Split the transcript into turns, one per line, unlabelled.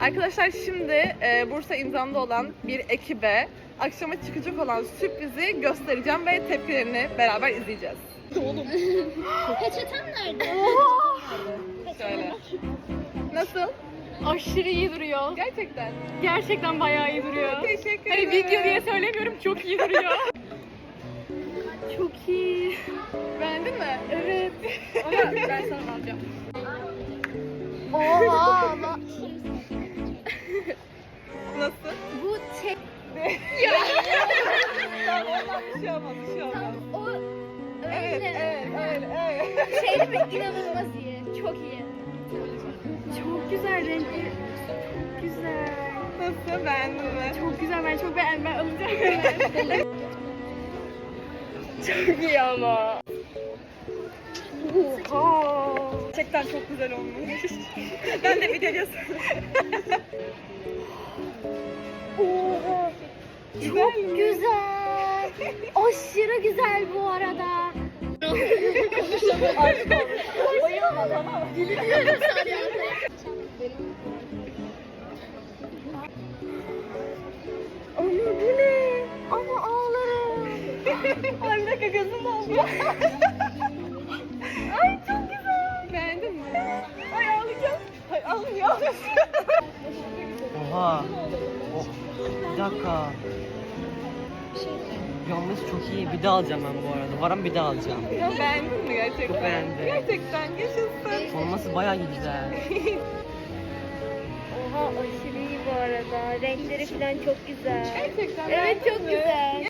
Arkadaşlar şimdi Bursa imzamda olan bir ekibe akşama çıkacak olan sürprizi göstereceğim ve tepkilerini beraber izleyeceğiz.
Peçeten nerede?
Şöyle. Nasıl?
Aşırı iyi duruyor.
Gerçekten.
Gerçekten bayağı iyi duruyor.
Teşekkür
Hani
ederim.
video diye söylemiyorum, çok iyi duruyor. Çok iyi.
Beğendin mi?
Evet. Ama ben sana alacağım.
Oha ama
Nasıl?
bu tek
Tamam, oradan bir şey olmaz, bir şey olmaz.
o
Evet,
öyle.
evet.
Şey mi? İnanılmaz iyi. Çok iyi.
Çok güzel renkli. Çok güzel.
Nasıl? Beğendin mi?
Çok güzel, ben çok beğendim. Ben alacağım hemen. Çok iyi ama. Oha.
Gerçekten çok güzel olmuş. Ben de video göstereyim.
Oha. Çok güzel. Aşırı güzel bu arada.
Bayılma tamam.
Ama bu ne? Ama ağlarım.
Ay bir dakika gözüm doldu. Ay çok güzel. Beğendin mi? Ay ağlayacağım. Ay ağlıyor.
Oha. Oh. Bir dakika. Yalnız çok iyi. Bir daha alacağım ben bu arada. Varan bir daha alacağım.
Ya beğendin mi gerçekten?
Çok beğendim.
Gerçekten yaşasın.
Olması bayağı güzel.
Oha aşırı iyi bu arada. Renkleri falan çok güzel.
Gerçekten
Evet
beğendin
çok
mi?
güzel.